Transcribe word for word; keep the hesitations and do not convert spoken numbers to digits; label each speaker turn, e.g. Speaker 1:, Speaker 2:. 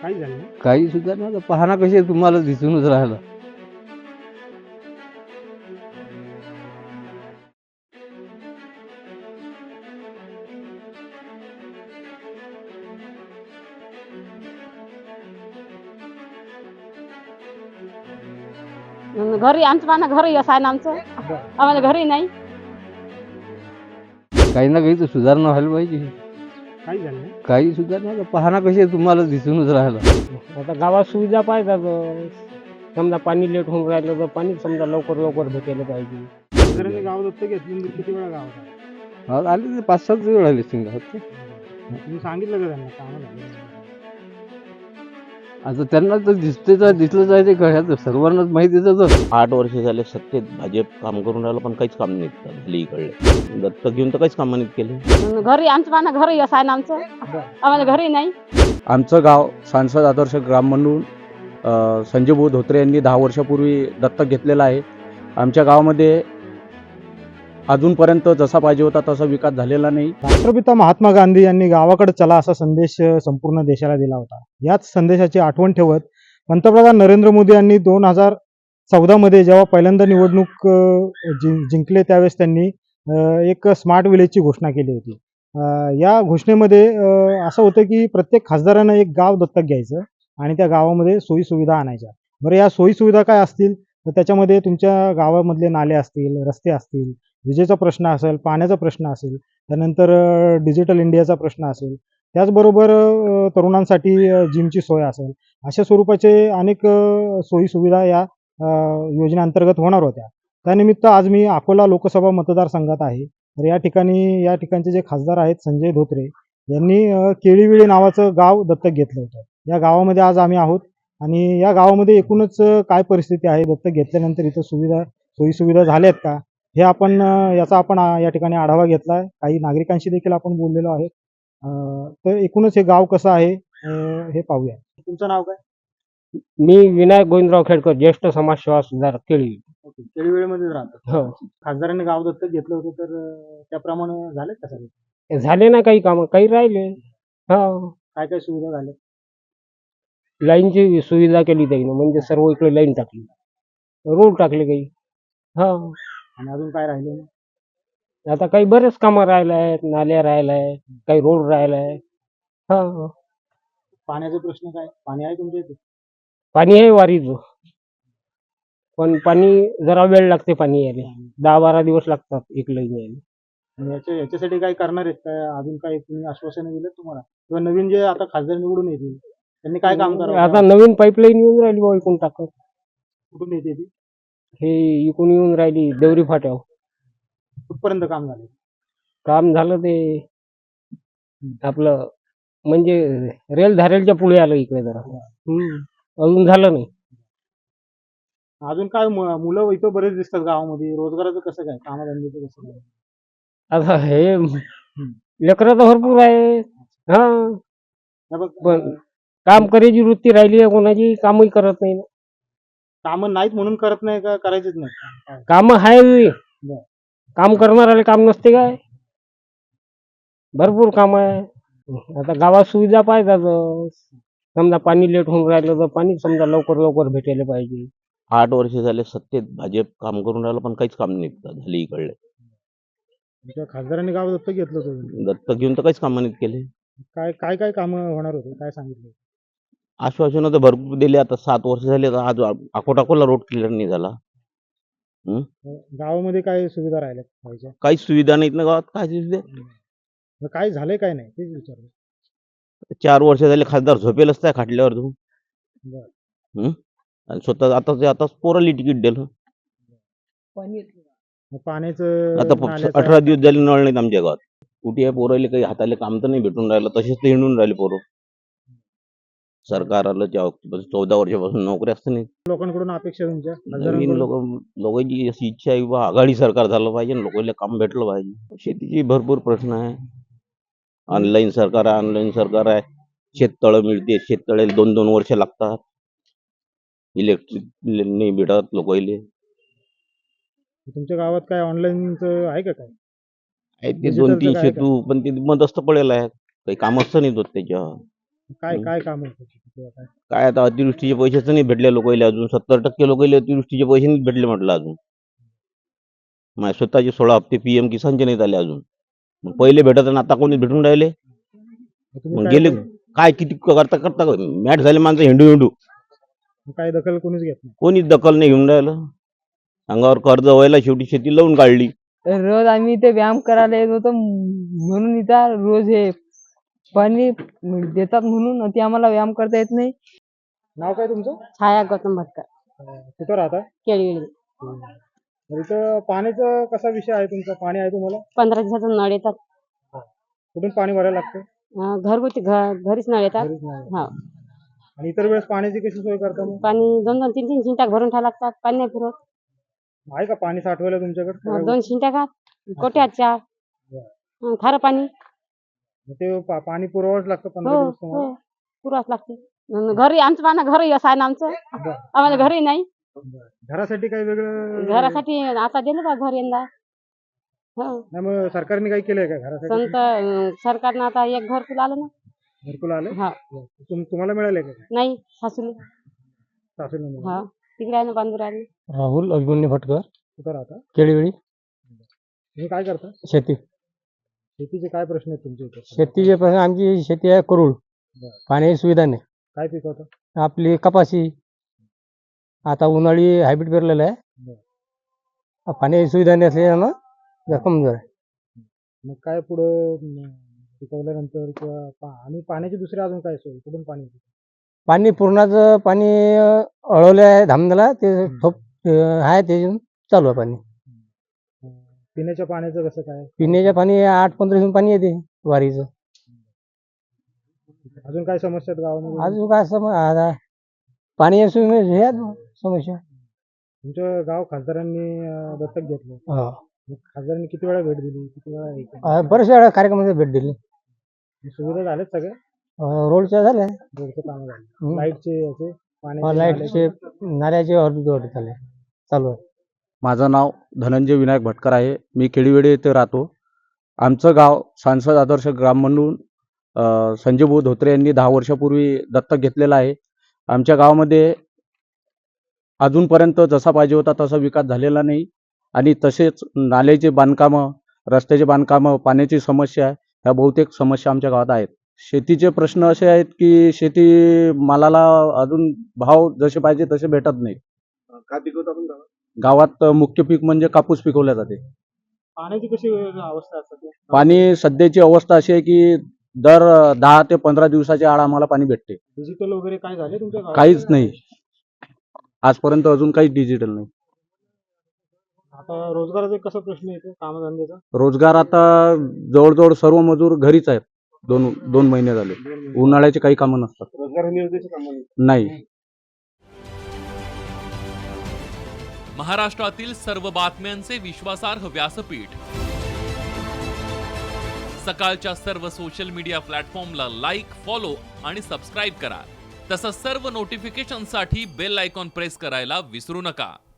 Speaker 1: काही झालं नाही.
Speaker 2: काही सुद्धा नाही. आता पाहणा कशी तुम्हाला दिसूनच राहिलं.
Speaker 3: घरी आमचं पाना घरी असं आहे ना आमचं आम्हाला घरी नाही.
Speaker 2: काही ना काही तर सुधारणा व्हायला पाहिजे.
Speaker 1: काही झालं नाही.
Speaker 2: काही सुद्धा नाही. आता पाहणा कशी तुम्हाला दिसूनच राहिलं.
Speaker 4: आता गावात सुविधा पाहिजे. समजा पाणी लेट होऊन राहिलं तर पाणी समजा लवकर लवकर भेटायला पाहिजे.
Speaker 1: खासदारांनी गाव दत्तक घेतली म्हणजे किती वेळा गावात आला?
Speaker 2: आज आले ते पाच सात वेळ आले सिंगात.
Speaker 1: तुम्ही सांगितलं का त्यांना कामं झाली?
Speaker 2: आता त्यांना तर दिसतेच आहे, दिसलंच आहे ते कळ्यात सर्वांनाच माहिती आहे.
Speaker 5: आठ वर्ष झाले सत्तेत भाजप काम करून राहिलं पण काहीच काम नाही झालं इकडे. दत्तक घेऊन तर काहीच काम नाही केले.
Speaker 3: घरी आमचं पाना घरी असं आहे ना आमचं आम्हाला घरी नाही.
Speaker 6: आमचं गाव सांसद आदर्श ग्राम म्हणून अ, संजय भाऊ धोत्रे यांनी दहा वर्षापूर्वी दत्तक घेतलेलं आहे. आमच्या गावामध्ये अजूनपर्यंत जसा पाहिजे होता तसा विकास झालेला नाही.
Speaker 1: राष्ट्रपिता महात्मा गांधी यांनी गावाकडे चला असा संदेश संपूर्ण देशाला दिला होता. याच संदेशाची आठवण ठेवत पंतप्रधान नरेंद्र मोदी यांनी दोन हजार चौदा मध्ये जेव्हा पहिल्यांदा निवडणूक अ, जिं- जिंकले त्यावेळेस त्यांनी अ, एक स्मार्ट विलेजची घोषणा केली होती. अ, या घोषणेमध्ये अ, असं होतं की प्रत्येक खासदारानं एक गाव दत्तक घ्यायचं आणि त्या गावामध्ये सोयी सुविधा आणायच्या. बरं, या सोयी सुविधा काय असतील तर त्याच्यामध्ये तुमच्या गावामधले नाले असतील, रस्ते असतील, विजेचा प्रश्न असेल, पाण्याचा प्रश्न असेल, त्यानंतर डिजिटल इंडियाचा प्रश्न असेल, त्याचबरोबर अ, तरुणांसाठी अ, जिमची सोय असेल, अशा स्वरूपाचे अनेक अ, सोयी सुविधा या अ, योजनेअंतर्गत होणार होत्या. त्यानिमित्त आज मी अकोला लोकसभा मतदारसंघात आहे. तर या ठिकाणी या ठिकाणचे जे खासदार आहेत संजय धोत्रे यांनी अ, केळीविळे नावाचं गाव दत्तक घेतलं होतं. या गावामध्ये आज आम्ही आहोत आणि या गावामध्ये एकूणच अ, काय परिस्थिती आहे, दत्तक घेतल्यानंतर इथं सुविधा सोयी सुविधा झाल्यात का, हे आपण अ, याचा आपण अ, या ठिकाणी आढावा घेतला आहे. काही नागरिकांशी देखील आपण बोललेलो आहे. अ, तर एकूणच हे गाव कसं आहे अ, हे पाहूया. तुमचं नाव काय?
Speaker 4: मी विनायक गोविंदराव खेडकर, ज्येष्ठ समाजसेवा सुधारक केळी.
Speaker 1: ओके, केळीवेळेमध्येच राहतात.
Speaker 4: हो,
Speaker 1: खासदारांनी गाव दत्तक घेतलं होतं तर अ, त्याप्रमाणे झाले का सगळे?
Speaker 4: झाले ना काही कामं, काही राहिले. हा,
Speaker 1: काय काय सुविधा झाल्या?
Speaker 4: लाईनची सुविधा केली त्याने, म्हणजे सर्व इकडे लाईन टाकली, रोड टाकले काही. हा,
Speaker 1: आणि अजून काय राहिले नाही?
Speaker 4: आता काही बरेच कामं राहिलं आहेत, नाल्या राहिल्या आहेत, काही रोड राहिला आहे. हा,
Speaker 1: पाण्याचा प्रश्न काय? पाणी आहे तुमच्या इथे?
Speaker 4: पाणी आहे वारीचं, पण पाणी जरा वेळ लागते पाणी यायला. दहा बारा दिवस लागतात एक लाईन यायला.
Speaker 1: आणि याच्या याच्यासाठी काय करणार आहेत काय? अजून काय तुम्ही आश्वासनं दिलेत तुम्हाला? किंवा नवीन जे आता खासदार निवडून येतील त्यांनी काय काम करावं?
Speaker 4: आता नवीन पाईपलाईन येऊन राहिली बा इकून टाकत.
Speaker 1: कुठून येते ती?
Speaker 4: हे इकून येऊन राहिली देवरी फाट्यावर.
Speaker 1: कुठपर्यंत काम झालं?
Speaker 4: काम झालं ते आपलं म्हणजे रेल धारेलच्या पुढे आलं इकडे जरा. हम्म. अजून झालं नाही.
Speaker 1: अजून काय मु- मुलं इथं बरेच दिसतात गावामध्ये. रोजगाराचं कसं काय? कामधंद्याचं कसं काय?
Speaker 4: आता हे लेकरं तर भरपूर आहे. हा,
Speaker 1: हे बघ,
Speaker 4: पण काम करायची वृत्ती राहिली आहे कोणाची, कामही करत नाही.
Speaker 1: कामं नाहीत म्हणून करत नाही का करायचीच नाही?
Speaker 4: काम आहे,
Speaker 1: बरं.
Speaker 4: काम करणाऱ्याला काम नसते काय? भरपूर काम आहे. आता गावात सुविधा पाहिजे. समजा पाणी लेट होऊन राहिलं तर पाणी समजा लवकर लवकर भेटायला पाहिजे.
Speaker 5: आठ वर्ष झाले सत्तेत भाजप काम करून राहिलं पण काहीच काम नाही झालं इकडे.
Speaker 1: तुमच्या खासदारांनी गाव दत्तक घेतलं होतं.
Speaker 5: दत्तक घेऊन तर काहीच काम नाही केले.
Speaker 1: काय काय काय कामं होणार होते? काय सांगितलं?
Speaker 5: आश्वासनं तर भरपूर दिले. आता सात वर्ष झाले तर आज अकोटाकोला रोड क्लिअर नाही झाला.
Speaker 1: गावामध्ये काय सुविधा राहिल्या पाहिजे?
Speaker 5: काहीच सुविधा नाहीत ना गावात. काय सुविधा?
Speaker 1: मग काय झालंय काय नाही तेच विचारलं.
Speaker 5: चार वर्ष झाले खासदार झोपेलच त्या खाटल्यावर तू.
Speaker 1: बरं.
Speaker 5: हं? आणि स्वतः आता ते आता पोराली तिकीट दिलं.
Speaker 1: मग पाण्याचं
Speaker 5: आता प-
Speaker 1: नाल्याचं-
Speaker 5: अठरा दिवस झाले नळ नाहीत आमच्या गावात. कुठे आहे पोराले काही हाताले काम तर नाही भेटून राहिलं. तसेच ते हिंडून राहिले पोरं. सरकार आलं तेव्हा चौदा वर्षापासून नोकरी असते नाही.
Speaker 1: लोकांकडून अपेक्षा तुमच्या
Speaker 5: नवीन
Speaker 1: खासदारांकडून?
Speaker 5: लोक लोकांची अशी इच्छा आहे बा आघाडी सरकार झालं पाहिजे आणि लोकांना काम भेटलं पाहिजे. शेतीची भरपूर प्रश्न आहे. ऑनलाईन सरकार आहे, ऑनलाईन सरकार आहे. शेततळं मिळते, शेततळे दोन दोन वर्ष लागतात. इलेक्ट्रिक नाही भेटत लोकांना.
Speaker 1: तुमच्या गावात काय ऑनलाईनच आहे का काय?
Speaker 5: आहे ते
Speaker 1: Digital
Speaker 5: दोन तीन
Speaker 1: चं काय
Speaker 5: सेतू पण ते मदस्त पडेल आहे. काही काम असतं नाही होत त्याच्यावर.
Speaker 1: काय
Speaker 5: हम्म.
Speaker 1: काय काम आहे त्याची किंवा काय?
Speaker 5: काय आता अतिवृष्टीचे पैसेच नाही भेटले लोकांना अजून. सत्तर टक्के लोकांना अतिवृष्टीचे पैसे नाही भेटले म्हटलं अजून. माझे स्वतःचे सोळा हप्ते पीएम किसानचे नाहीत आले अजून. मग पहिले भेटत आणि आता कोणी भेटून राहिले.
Speaker 1: मग तुम्ही
Speaker 5: मग
Speaker 1: काय
Speaker 5: गेले
Speaker 1: केलं?
Speaker 5: काय किती करता करता मॅट झाले माणसं हिंडू हिंडू.
Speaker 1: मग काय दखल कोणीच घेत नाही.
Speaker 5: कोणीच दखल नाही घेऊन राहिलं. अंगावर कर्ज व्हायला शेवटी शेती लावून काढली.
Speaker 7: रोज आम्ही इथे व्यायाम करायला येत होतो म्हणून इथं रोज हे पाणी देतात म्हणून ते आम्हाला व्यायाम करता येत नाही.
Speaker 1: नाव काय तुमचं?
Speaker 3: छाया गौतम भटकर
Speaker 1: अं, कुठं राहता?
Speaker 3: केळी
Speaker 1: तर इथं पाण्याचा कसा विषय आहे तुमचा? पाणी आहे तुम्हाला?
Speaker 3: पंधरा दिवसातून नळ येतात.
Speaker 1: कुठून पाणी भरायला लागतं?
Speaker 3: अं, घरगुती घ- घरीच नळ येतात.
Speaker 1: घरीच नाही.
Speaker 3: हा
Speaker 1: आणि इतर वेळेस पाण्याची कशी सोय करता मग?
Speaker 3: पाणी दोन दोन तीन तीन शिंट्याक भरून ठेवा लागतात. पाणी नाही फिरत.
Speaker 1: आहे का पाणी साठवायला तुमच्याकडे?
Speaker 3: अं,
Speaker 1: सगळ्या
Speaker 3: दोन शिंट्याकात कोट्यात चार अं, खारं पाणी
Speaker 1: मग ते पा- पाणी पुरवावंच लागतं पंधरा
Speaker 3: हो
Speaker 1: दिवस तुम्हाला?
Speaker 3: हो पुरवाच लागते. अन् घरी आमचं पाणी घरी असं आहे ना आमचं. आम्हाला घरी नाही.
Speaker 1: घरासाठी काही वेगळं?
Speaker 3: घरासाठी आता दिलं बा घर यंदा. हो
Speaker 1: नाही मग सरकारने काही केलंय का घरासाठी?
Speaker 3: संत अं, सरकारनं आता एक घरकुल आलं ना.
Speaker 1: घरकुल आलं?
Speaker 3: हा
Speaker 1: तुम- तुम्हाला मिळाले का?
Speaker 3: नाही सासूले.
Speaker 1: सासूला मिळालं.
Speaker 3: हा तिकडे आहे ना बांधूर आहे.
Speaker 4: राहुल अभिमन्यू भटकर,
Speaker 1: कुठं राहता?
Speaker 4: केळीवेळी.
Speaker 1: तुम्ही काय करता?
Speaker 4: शेती
Speaker 1: शेतीचे काय प्रश्न आहेत तुमच्या इथे?
Speaker 4: शेतीचे प्रश्न, आमची शेती आहे करूळ. पाण्याची सुविधा नाही.
Speaker 1: काय पिकवता?
Speaker 4: आपली कपाशी आता उन्हाळी हायब्रिड पेरलेलं आहे. पाण्याची सुविधा नाही असल्यानं जरा कमजोर आहे.
Speaker 1: मग काय पुढं म, पिकवल्यानंतर किंवा पा- आणि पाण्याची दुसरी अजून काय सोय? कुठून पाणी येतं?
Speaker 4: पाणी पूर्णाचं पाणी अळवलं आहे धामण्याला, ते ठोप अं, आहे ते चालू आहे पाणी.
Speaker 1: अं, पिण्याच्या पाण्याचं कसं काय?
Speaker 4: पिण्याच्या पाणी आठ पंधरा दिवस पाणी येते वारीचं.
Speaker 1: अजून काय समस्या आहेत गावामध्ये?
Speaker 4: अजून काय सम आता पाणी सुविधा हे आहेत समस्या.
Speaker 1: तुमचं गाव खासदारांनी अं, दत्तक घेतलं.
Speaker 4: हा.
Speaker 1: मग खासदारांनी किती वेळा भेट दिली? किती वेळा हे केलं?
Speaker 4: अं, बऱ्याचशा वेळा कार्यक्रमाला भेट दिली.
Speaker 1: सुविधा झाल्यात सगळ्या?
Speaker 4: अं, रोडच्या झाल्या,
Speaker 1: रोडचं काम झालं.
Speaker 4: हम्म.
Speaker 1: लाईटचे याचे पाण्याचे
Speaker 4: लाईटचे
Speaker 1: नाल्याचे?
Speaker 4: नाल्याचे ऑर्डर झाले चालू आहे.
Speaker 6: माझं नाव धनंजय विनायक भटकर आहे. मी केळीवेडी येथे राहतो. आमचं गाव सांसद आदर्श ग्राम म्हणून अ, संजय भाऊ धोत्रे यांनी दहा वर्षापूर्वी दत्तक घेतलेलं आहे. आमच्या गावामध्ये अजूनपर्यंत जसा पाहिजे होता तसा विकास झालेला नाही आणि तसेच नाल्याचे बांधकामं, रस्त्याचे बांधकामं, पाण्याची समस्या, ह्या बहुतेक समस्या आमच्या गावात आहेत. शेतीचे प्रश्न असे आहेत की शेती मालाला अजून भाव जसे पाहिजे तसे भेटत नाही.
Speaker 1: काय पिकवता आपण गावात?
Speaker 6: गावात मुख्य पीक म्हणजे कापूस पिकवला जाते.
Speaker 1: पाण्याची कशी अवस्था असते?
Speaker 6: पाणी सध्याची अवस्था अशी आहे की दर दहा ते पंधरा दिवसाच्या आड आम्हाला पाणी भेटते.
Speaker 1: डिजिटल वगैरे काय झाले तुमच्या गावात?
Speaker 6: काहीच नाही आजपर्यंत, अजून काहीच डिजिटल नाही.
Speaker 1: आता रोजगाराचा कसा प्रश्न येतो? कामधंद्याचा?
Speaker 6: रोजगार आता जवळजवळ सर्व मजूर घरीच आहेत. दोन दोन महिने झाले. उन्हाळ्याचे काही कामं नसतात.
Speaker 1: रोजगार हमी योजनेचे कामं
Speaker 6: नाही.
Speaker 8: महाराष्ट्रातील सर्व बातम्यांचे विश्वासार्ह व्यासपीठ. सकाळच्या सर्व सोशल मीडिया प्लॅटफॉर्मला लाईक, फॉलो आणि सबस्क्राईब करा. तसंच सर्व नोटिफिकेशनसाठी बेल आयकॉन प्रेस करायला विसरू नका.